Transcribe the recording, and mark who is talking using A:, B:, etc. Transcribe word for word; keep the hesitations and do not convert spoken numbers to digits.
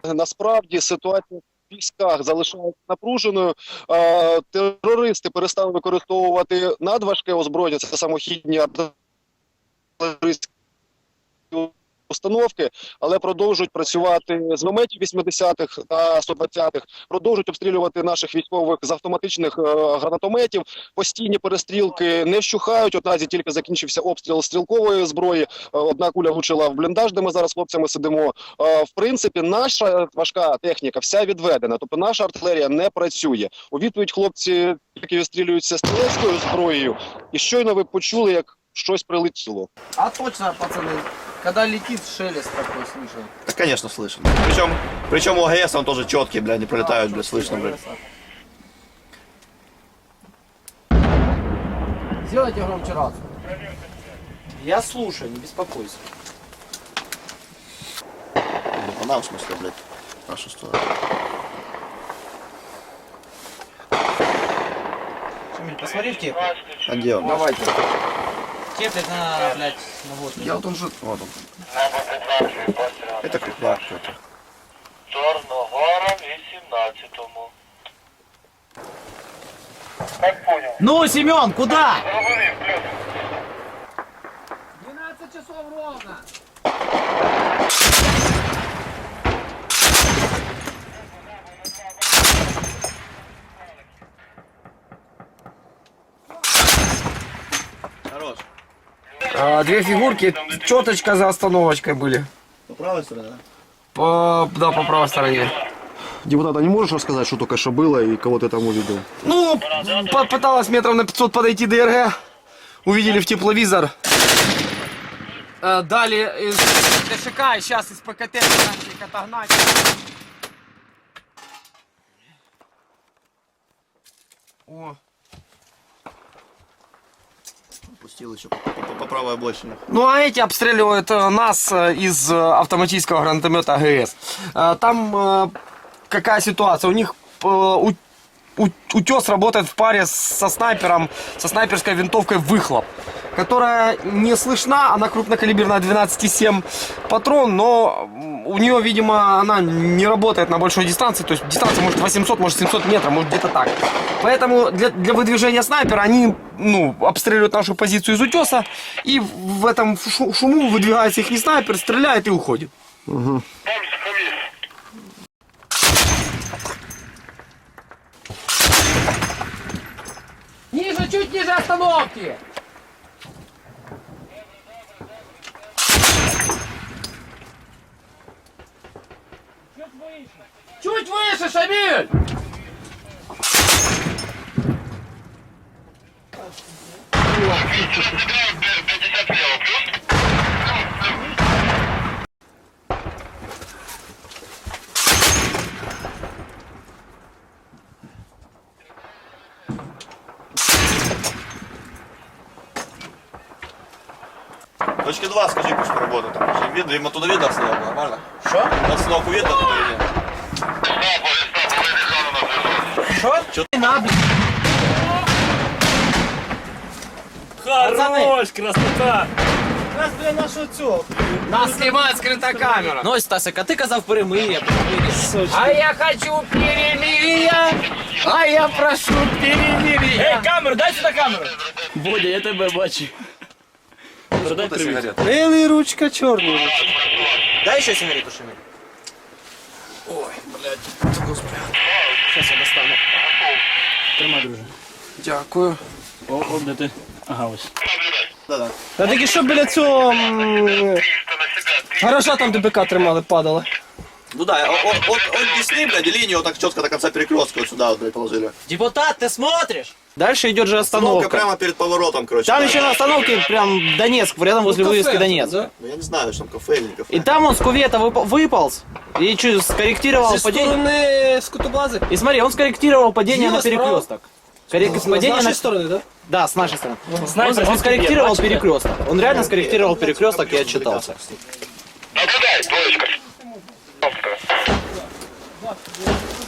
A: Насправді ситуація в військах залишається напруженою. Терористи перестали використовувати надважке озброєння, це самохідні артилерійські установки, але продовжують працювати з мінометів вісімдесятих та сто двадцятих, продовжують обстрілювати наших військових з автоматичних е, гранатометів. Постійні перестрілки не вщухають. От наразі тільки закінчився обстріл стрілкової зброї. Е, одна куля влучила в бліндаж, де ми зараз з хлопцями сидимо. Е, в принципі, наша важка техніка вся відведена, тобто наша артилерія не працює. У відповідь хлопці які відстрілюються стрілецькою зброєю, і щойно ви почули, як щось прилетіло.
B: А точно, пацаны. Когда летит, шелест такой слышен.
C: Да, конечно, слышно. Причем, причем у АГС он тоже четкий, бля, не пролетают, бля, слышно, бля.
B: Сделайте громче рацию. Я слушаю, не беспокойся.
C: Не по нам, в смысле, блядь, в нашу сторону.
B: Шамиль, посмотри в теп.
C: А где он?
B: Давайте. Теплит на, блядь, на вот.
C: Я вот он же, вот он. Это крепляк какой-то.
D: Чорногора вісімнадцятому. Как понял?
B: Ну, Семен, куда?
D: Зрозумів, плюс.
B: двенадцать часов ровно.
C: Хорош.
B: А, две фигурки, четочка за остановочкой были.
C: По правой стороне, да?
B: По, да, по правой стороне.
A: Депутат, а не можешь рассказать, что только что было и кого ты там увидел?
B: Ну, попыталась метров на пятьсот подойти ДРГ. Увидели в тепловизор. Э, дали из ДШК, и сейчас из ПКТ начали их отогнать. О.
C: Пустил еще по, по, по правой обочине.
B: Ну а эти обстреливают э, нас э, из э, автоматического гранатомета АГС. Э, там э, какая ситуация? У них э, у, у, утес работает в паре со снайпером, со снайперской винтовкой «Выхлоп», которая не слышна, она крупнокалиберная двенадцать семь патрон, но у нее, видимо, она не работает на большой дистанции, то есть дистанция может восемьсот, может семьсот метров, может где-то так. Поэтому для, для выдвижения снайпера они ну, обстреливают нашу позицию из утеса, и в этом шуму выдвигается их снайпер, стреляет и уходит.
A: Угу.
B: Ниже, чуть ниже остановки! Чуть выше, Шамиль!
D: пятьдесят слева, плюс.
C: Точки два, скажи, пусть поработают. Там видно, им оттуда видно обстановку, нормально?
B: Что?
C: Обстановку видно оттуда или нет?
B: Что? Что ты надо?
E: Хорош, красота!
B: Нас, блин, нашу цю. Нас снимает скрытая камера.
E: Ну, Стасик, а ти казав перемир'я, перемир'я.
B: А я хочу перемирия, а я прошу перемирия.
E: Ей, камеру, дай сюди камеру! Бодя, я тебе бачу. Продай привіт.
B: Белый ручка, черный.
E: Дай ще сигарету, Шамиль.
B: Сейчас я достану.
E: Тримай, друже.
B: Дякую.
E: О, о, де ти? Ага, ось.
C: Да-да.
B: Та таки що біля цього м, гаража там ДБК тримали, падали.
C: Ну да, от, от, от, от Десны, блядь, и линию вот так четко до конца перекрестка вот сюда вот, блядь, положили.
E: Депутат, ти смотриш?
B: Дальше идет же
C: Остановка
B: остановка.
C: прямо перед поворотом, короче.
B: Там
C: да.
B: еще на остановке прям Донецк, рядом возле вывески Донецк.
C: Ну я не знаю, что там кафе или не кафе.
B: И там он с кувета выпал- выполз и чуть скорректировал падение.
F: Скотобазы?
B: И смотри, он скорректировал падение
F: Слева,
B: на перекресток. Коррек-
F: С
B: падение
F: нашей
B: на...
F: стороны, да?
B: Да, с нашей стороны. Он,
E: Снайпер
B: он
E: здесь
B: скорректировал
E: кипит, бачите?
B: перекресток. Он реально скорректировал перекресток и отчитался.
D: Наблюдай, двоечка.